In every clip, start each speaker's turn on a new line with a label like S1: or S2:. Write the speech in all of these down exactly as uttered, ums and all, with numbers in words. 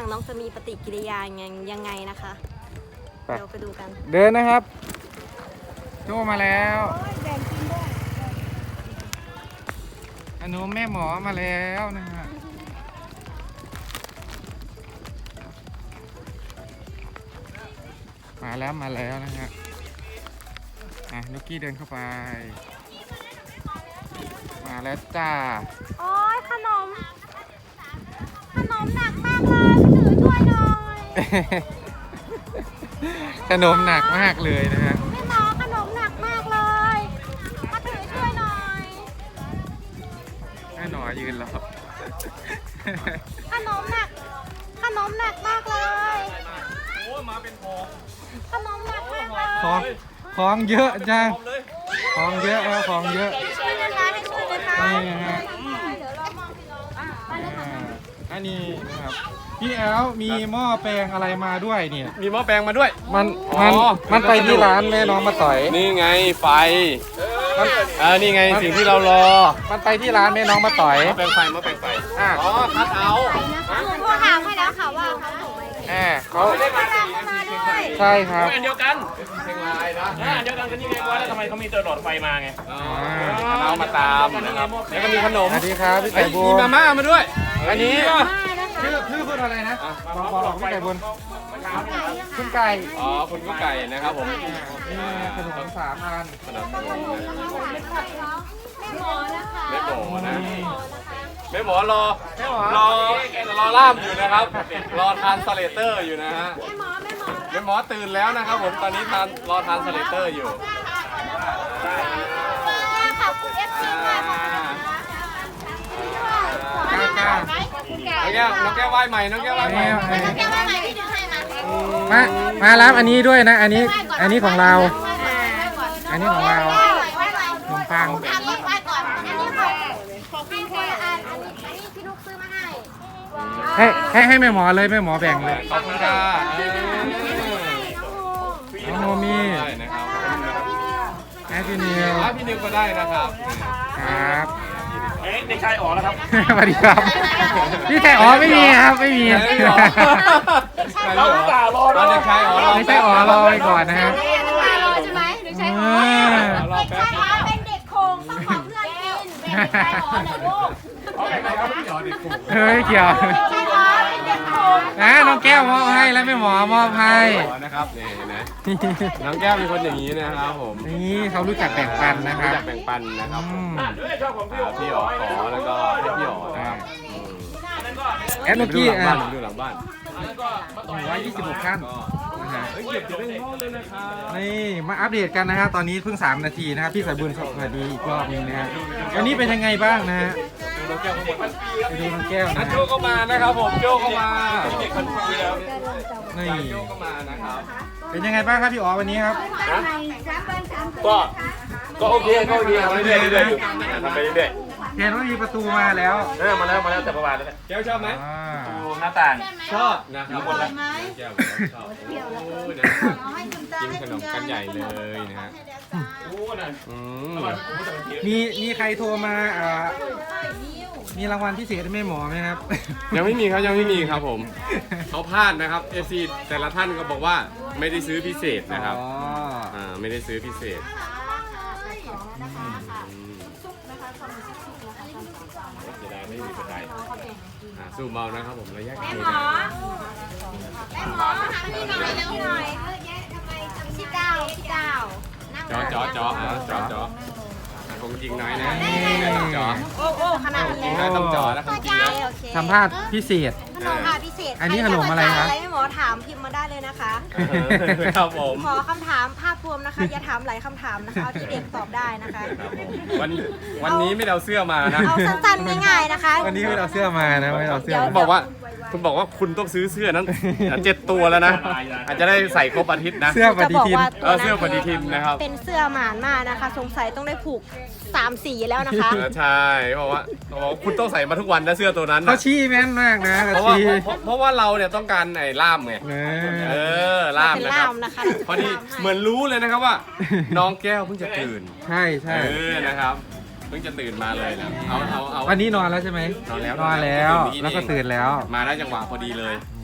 S1: น้องจะมีปฏิกิริยายังยังไงนะคะเดี๋ยวไปดูกัน
S2: เดินนะครับโจมาแล้วอนุแม่หมอมาแล้วนะฮะมาแล้วมาแล้วนะฮะอ่ะนุกกี้เดินเข้าไปมาแล้วจ้า
S1: โอ้ยขนมขนมหนักมากเลยถือช่วยหน่อย
S2: ขนมหนักมากเลยนะฮะ
S1: แม่หมอขนมหนักมากเลยมาถือช่วยหน่อย
S2: แม่หนอยืนรอ
S1: ขนมหนักขนมหนักมากเลย
S3: โอ้มาเป็นพอง
S1: ขนมหนักมากเลย
S2: ของของเยอะจังของเยอะแล้วของเยอะ
S1: ช่วยนะคะให้ช่วยนะคะ
S2: นี่นะฮะอันนี้นะครับพี่แอลมีหม้อแปลงอะไรมาด้วยเนี่ย
S3: มีหม้อแปลงมาด้วย
S2: มันมันมันไปที่ร้านแม่น้องมาต่อย
S3: นี่ไงไฟเออนี่ไงสิ่งที่เรารอ
S2: มันไปที่ร้านแม่น้องมาต่อย
S3: หม้อแปลงไฟหม้อแปลงไฟอ๋อคัดเอา
S1: โทรถามให้แล้วค่ะว่าเขาส่งไป
S2: แหมเขา
S1: ใช่
S2: ครับ
S3: อันเดียวกันเชียงรายนะอันเดียวกันก็นี่ไงว่าแล้วทำไมเขามีเตอร์หลอดไฟมาไงเอามาตามนะครับแล้วก็มีขนม
S2: สวัสดีครับพี่ไก่บุญ
S3: มีมาม่ามาด้วยอันนี้
S2: ชื่อชื่อคุณอะไรนะบอกบอกพี่ไก่บุญคุณไก่
S3: อ๋อคุณกุ๊กไก่นะครับผม
S2: นี่ขนมสามอัน
S3: ขนม
S1: แม่หมอนะคะ
S3: แม่หมอนะแม่หมอรอรอรอล่ามอยู่นะครับรอทานสเลเตอร์อยู่นะฮะแม่หมอตื่นแล้วนะครับผมตอนนี้ทานรอทานสเลเตอร์อยู่
S1: ขอบคุณเอฟซีมากค่ะ
S2: น้องแก้ว
S3: น้องแก้วไหว้ใหม่น้องแก้วไหว้ใหม่น้อง
S1: แก้วไหว้ใหม่ที่ดึงให้
S2: มามารับอันนี้ด้วยนะอันนี้อันนี้ของเราอันนี้ของเราขนมปัง
S1: ทำรถไว้ก่อนอันนี้ของของพี่คนละอันอันนี้อันนี้พี่นุ๊กซื้อมาให้
S2: ให้ให้ให้แม่หมอเลยแม่หมอแบ่งเลย
S3: ขอบคุณค่ะ
S2: น้องโมมี่
S3: นะครับ
S2: แอพี่นิว
S3: พี่นิวก็ได้นะครับ
S2: ครับ
S3: เด็กชายอ๋อแล้วครับ
S2: สวัสดีครับพี่ชายอ๋อไม่มีครับไม่มี
S3: เราตารอเด็กชายอ๋อ
S2: ไม่ใช่อ๋อรอไปก่อนนะครับ
S1: รอใช่ไหมหรือใช่อ๋อเด็กชายอ๋อเป็นเด็กโคงต้องขอเพื่อนกินเด็กชายอ๋อนะลูก
S2: เฮ้ยเกี่ยวนะน้องแก้วมอบให้แล้วแม่หมอมอบให้
S3: นะครับนี่นะน้องแก้วเป็นคนอย่างนี้นะครับผม
S2: นี่เขารู้จักแบ่งปันนะครับ
S3: รู้จักแบ่งปันนะครับพี่อ๋อขอแล้วก็ให้พี่อ๋อนะครับ
S2: แอดนุกี้อ่ะ
S3: ดูหลังบ้าน
S2: ร้อยยี่สิบหกขั้นนี่มาอัปเดตกันนะครับตอนนี้เพิ่งสามนาทีนะครับพี่สายบุญสวัสดีอีกรอบนึงนะฮะวันนี้เป็นยังไงบ้างนะฮะ
S3: ดูน้องแก้วเข้ามา
S2: ไปดูน้องแก้วนะ
S3: โจเข้ามานะครับผมโจเข้ามาเด็กคนนี้แล้ว
S2: นี่
S3: โจเข้ามานะครับ
S2: เป็นยังไงบ้างครับพี่อ๋อวันนี้ครับ
S3: ก็ก็โอเคก็โอเคทำไปเรื่อยๆอยู่ทำไปเรื่อย
S2: เห็นว่ามีประตูมาแล้ว
S3: เออมาแล้วมาแล้วแต่ประมาณนั้นแก้วชอบไหมดูหน้าต่างชอบนะครับคนละแก้วชอบกินขนมกันใหญ่เลยนะฮะ
S2: มีมีใครโทรมาอ่ามีรางวัลพิเศษให้แม่หมอไหมครับ
S3: ยังไม่มีครับยังไม่มีครับผมเขาพลาดนะครับเอฟซีแต่ละท่านก็บอกว่าไม่ได้ซื้อพิเศษนะครับอ่าไม่ได้ซื้อพิเศษจะได้ไม่มีกระไดสู้เมานะครับผมระยะไกล
S1: แม่หมอแม่หมอมาหาพี่หน่อยเร็วหน่อยเออแยะทำไมทำพี่เก้าพี่เก้า
S3: จอจอจอจอจอคงจริงน้อยนะต้องจอ
S1: โอ้โอ้ขนาดนี้
S3: นะต้องจอนะคงจริงนะ
S2: สัมภาษณ์พิเศษ
S1: ขนมค่ะพิเศษ
S2: อันนี้ขนมอะไรครับ
S1: อะไรไม่หมอถามพิมพ์มาได้เลยนะคะ
S3: ครับผม
S1: ขอคำถามภาพรวมนะคะอย่าถามหลายคำถามนะคะเอาที่เด็กตอบได้นะคะ
S3: วันวันนี้ไม่เอาเสื้อมานะ
S1: เอาสั้นๆง่ายๆนะคะ
S2: วันนี้ไม่เอาเสื้อมานะไม่เอาเสื้อ
S3: บอกว่าคุณบอกว่าคุณต้องซื้อเสื้อนั้นเจ็ดตัวแล้วนะอาจจะได้ใส่ครบอาทิตย์นะ
S2: เสื้อปฏิทิน
S3: เออเสื้อปฏิทินนะครับ
S1: เป็นเสื้อหมานมากนะคะสงสัยต้องได้ผูกสามสีแล้วนะคะ
S3: ใช่บอกว่าบอกว่าคุณต้องใส่มาทุกวันนะเสื้อตัวนั้น
S2: เขาชี้แม่นมากนะ
S3: เพราะว่าเพราะว่าเราเนี่ยต้องการไอ้ล่ามไงเออล่ามนะครับพอดีเหมือนรู้เลยนะครับว่าน้องแก้วเพิ่งจะตื่น
S2: ใช่ใช่
S3: เออนะครับเพิ่งจะตื่นมาเลยนะเอาเอาเอา
S2: วันนี้นอนแล้วใช่ไหม
S3: นอนแล้ว
S2: นอนแล้วแล้วก็ตื่นแล้ว
S3: มาได้จังหวะพอดีเลย
S2: นี่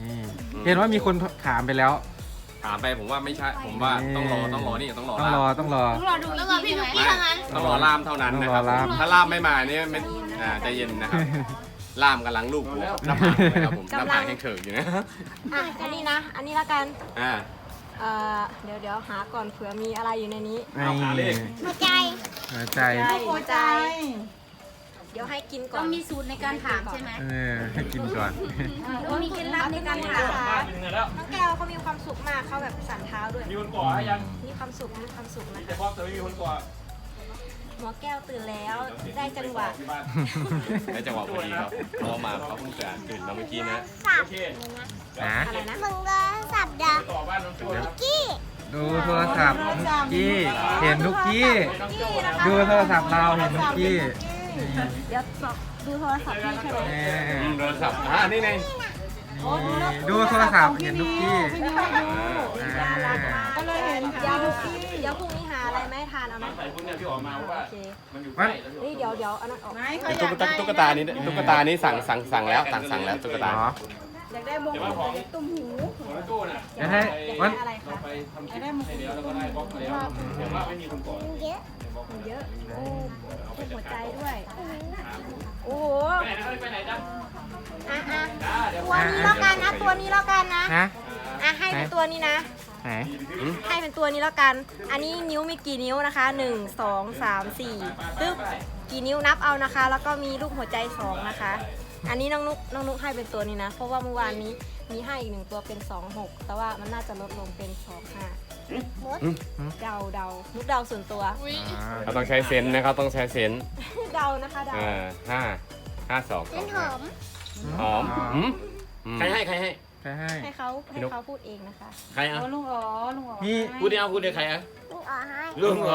S2: เห็นว่ามีคนถามไปแล้ว
S3: ถามไปผมว่าไม่ใช่ผมว่าต้องรอต้องรอนี่ต้องรอ
S2: ต้องรอ
S3: ล่าม
S2: ต้องรอ
S1: ต้องรอดูต้องรอพี่นุ๊กกี้ทางนั้น
S3: ต้องรอล่ามเท่านั้นนะครับ
S2: ต้องรอล่าม
S3: ถ้าล่ามไม่มาเนี่ยไม่อ่าใจเย็นนะครับล่ามกำลังลูกหัวหน้าผากนะครับผมหน้าผากแห้งเขิงอยู่นะ
S1: อ่ะอันนี้นะ อันนี้ละกัน
S3: อ่า
S1: เอ่อเดี๋ยวเดี๋ยวหาก่อนเผื่อมีอะไรอยู่ในนี้
S3: เอาหาเลข
S1: หัวใจ
S2: หัวใจ
S1: หัวใจ เดี๋ยวให้กินก่อน
S4: ต้องมีสูตรในการถามใช่ไหม
S2: เออให้กินก่อน
S4: ต้องมีเคล็ดลับในการถาม
S1: น้องแก้วเขามีความสุขมากเขาแบบสั่นเท้าด้วย
S5: มีคนก่อให้ยัง
S1: มีความสุขมีความสุขนะ
S5: แต่
S1: คะ
S5: พ่อแต่ไม่มีคนก่อ
S1: หมอแก้วตื่นแล้วได้จังหวะ
S5: ที่บ้าน
S3: ได้จังหวะพอดีครับเพราะมาเขาเพิ่งตื่นตื่นมาเมื่อกี้นะ
S5: โอเค
S2: นะ
S1: อะไรนะ
S6: มึงก็สับดา
S5: ต่อบ้านน้องโจ้นะครับ
S6: กี้
S2: ดูโทรศัพท์นุกกี้เห็นนุกกี้
S5: น้องโจ้นะ
S2: ดูโทรศัพท์เราเห็นนุกกี้
S1: เดี๋ยวสอบดูโทรศัพท์พี่ใช่ไหม
S2: เอ
S3: อืม
S2: อ
S3: โทรศัพท์อ่านี่ไง
S2: ดูโทรศัพท์เห็นนุกกี้
S1: น่ารักมากก็เลยเห็นเดี๋ยวเดี๋ยวพรุ่งนี้หาอะไรไหมาให้ทานเอาไหม
S5: ใส่พวกเนี้ยพี่ออกมาว่า
S1: โอเค
S5: มันอยู่ใก
S2: วั
S5: ล้
S2: น
S1: เฮ้ยเดี๋ยวเดี๋ยวเอานั้นออก
S3: ตุ๊กตาตุ๊กตานี้ตุ๊กตานี้สั่งสั่งสั่งแล้วสั่งสั่งแล้วตุ๊กตา
S2: อ๋อ
S1: อยากได้มง
S5: เดี๋ยวว่าของตุ้มหูของน้องโจ้น่ะ
S2: เดี๋ยวให้วัน
S1: อะไร
S5: เรา
S1: คะ
S5: ไปทำคลิปให้แล้วแล้วก็ได้บล็อกแล้วแต่ว่าไม่มีคนก่อ
S6: เยอะ
S1: เยอะโอ้เป็นหัวใจด้วยโอ้โห
S5: ไปไหนนะไปไหนจ๊ะ
S1: อ่ะอ่ะ
S5: จ้าเดี๋ยว
S1: ตัวนี้แล้วกันนะตัวนี้แล้วกันนะ
S2: นะ
S1: อ่ะให้เป็นตัวนี้นะ
S2: ไหน
S1: ให้เป็นตัวนี้แล้วกัน อันนี้นิ้วมีกี่นิ้วนะคะหนึ่งสองสามสี่ตึ๊บกี่นิ้วนับเอานะคะ แล้วก็มีรูปหัวใจสองนะคะ อันนี้น้องนุกน้องนุกให้เป็นตัวนี้นะ เพราะว่าเมื่อวานนี้มีให้อีกหนึ่งตัวเป็นสองหกแต่ว่ามันน่าจะลดลงเป็นสองห้าเดาเดานุกเดาส่วนตัว
S3: เราต้องใช้เซนส์นะครับต้องใช้เซนส์
S1: เดานะคะเดา
S3: อ่าห้าห้าสองส
S6: เป็
S3: อน ง
S6: หอม
S3: หอมหืมใครให้ใครให้
S2: ใครให้
S1: ให้เขาให้เขาพูดเองนะคะ
S3: ใครอ่ะ
S4: ลุงอ๋อลุงอ๋อ
S2: นี่
S3: พูดเดียวพูดเดียวใครอ่ะ
S6: ลูกอ่อให้
S3: ลุงเหรอ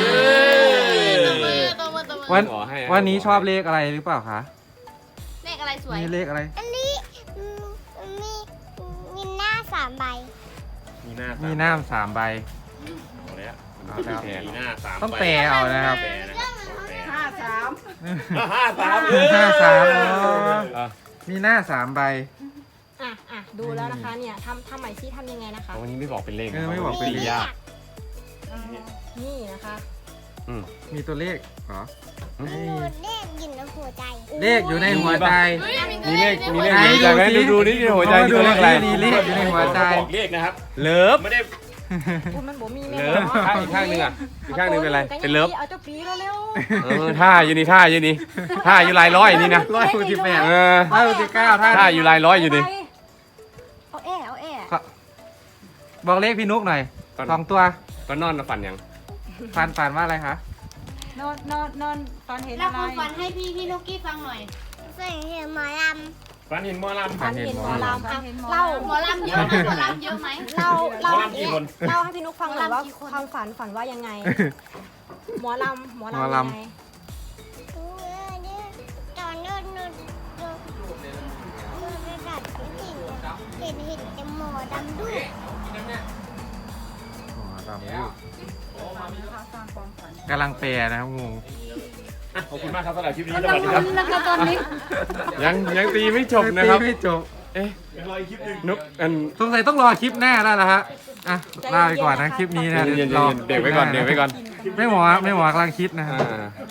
S2: วัน
S3: ขอให้
S2: วันนี้ชอบเลขอะไรหรือเปล่าคะ
S4: เลขอะไรสวย
S2: มีเลขอะไร
S6: อันนี้อืมมีมีหน้าสามใบ
S3: มีหน้า
S2: มีหน้ามสามใบ
S3: เอาแล้ว
S2: เอาแล้ว
S3: มีหน้าสาม
S2: ต้องแปลเอานะครับ
S3: แปลนะครับ
S4: ห้าสาม
S3: ห้าสาม
S2: ห้าสาม
S3: อ่ะ
S2: มีหน้าสามใบ
S1: อ่ะอ่ะดูแล้วนะคะเนี่ยทำทำใหม่ซิทำยังไงนะคะ
S3: วันนี้ไม่บอกเป็นเลข
S2: เออไม่บอกเป็นเลข
S3: ยาก
S1: นี่นะคะ
S3: อืม
S2: มีตัวเลขเหรอ
S6: หนูเลขอยู่ในหัวใจ
S2: เลขอยู่ในหัวใจ
S3: มีเลขมีเลข
S2: ไหน
S3: อยู่ในใจไหม
S2: ดู
S3: ดู
S2: สิ
S3: ดูนี่ในหัวใจ
S2: ดู
S3: ดูเลขอะไร
S2: มีเลขอยู่ในหัวใจ
S3: บอกเลขนะครับ เลิฟไม่ได้
S1: คุณมันบอกมีแม่
S3: เลิฟข้างอีกข้างหนึงอ่ะอีกข้างหนึงเป็นอะไรเป็นเลิฟ
S1: เอาเจ้าปีแล้วเร็ว
S3: เออท่าอยู่นี่ท่าอยู่นี่ท่าอยู่ลายร้อยนี่นะ
S2: ร้อยหกสิบแปด
S3: เออ
S2: ร้อยหกสิบเก้าท่าน
S3: ท่าอยู่ลายร้อยอยู่นี่
S1: เอาแอ่เอาแอ่
S2: บอกเลขพี่นุกหน่อยสองตัว
S3: ก็นอนมาฝันยัง
S2: ฟันฟันว่าอะไรคะ
S4: นอนนอนนอนตอนเห็น
S1: แล้ว
S4: อะไร
S1: ความฝันให้พี่พี่นุกกี้ฟังหน่อย
S6: เสียงเสียงหมอล
S3: ฝันเห็นหมอลำ
S1: ฝันเห็นหมอลำอ่ะเล่า
S4: หมอลำเยอะไหมหมอลำเยอะไหม
S1: เล่าเล่า
S3: หมอลำกี่คน
S1: เล่าให้พี่นุกฟังหน่อยว่า
S4: หมอลำกี่คน
S1: ความฝันฝันว่ายังไง หมอลำหมอ
S2: หมอ
S1: ลำ
S2: ลำ
S1: ยังไง
S6: ำเออเนี่ยตอนนู้นนู้นนู้นนู้นระดับที่เห็นเห็นแต่หมอดำด้วย
S2: หมอลำลูกกำลังแปลนะครับงง
S3: ขอบคุณมากครับสำหรับคลิปนี้สวัสดีครับ
S4: แล้วก็ตอนนี้
S3: ยังยังตีไม่จบนะครับ
S2: ตีไม่จบ
S3: เอ๊ะนุกอัน
S2: สงสัยต้องรอคลิปหน้าแล้วนะฮะอ่ะลาไปก่อนนะคลิปนี้นะ
S3: เย็นๆ
S2: รอ
S3: เด็กไว้ก่อนเด็กไว้ก่อน
S2: ไม่หมอไม่หมอกำลังคิดนะฮะ
S3: อ่า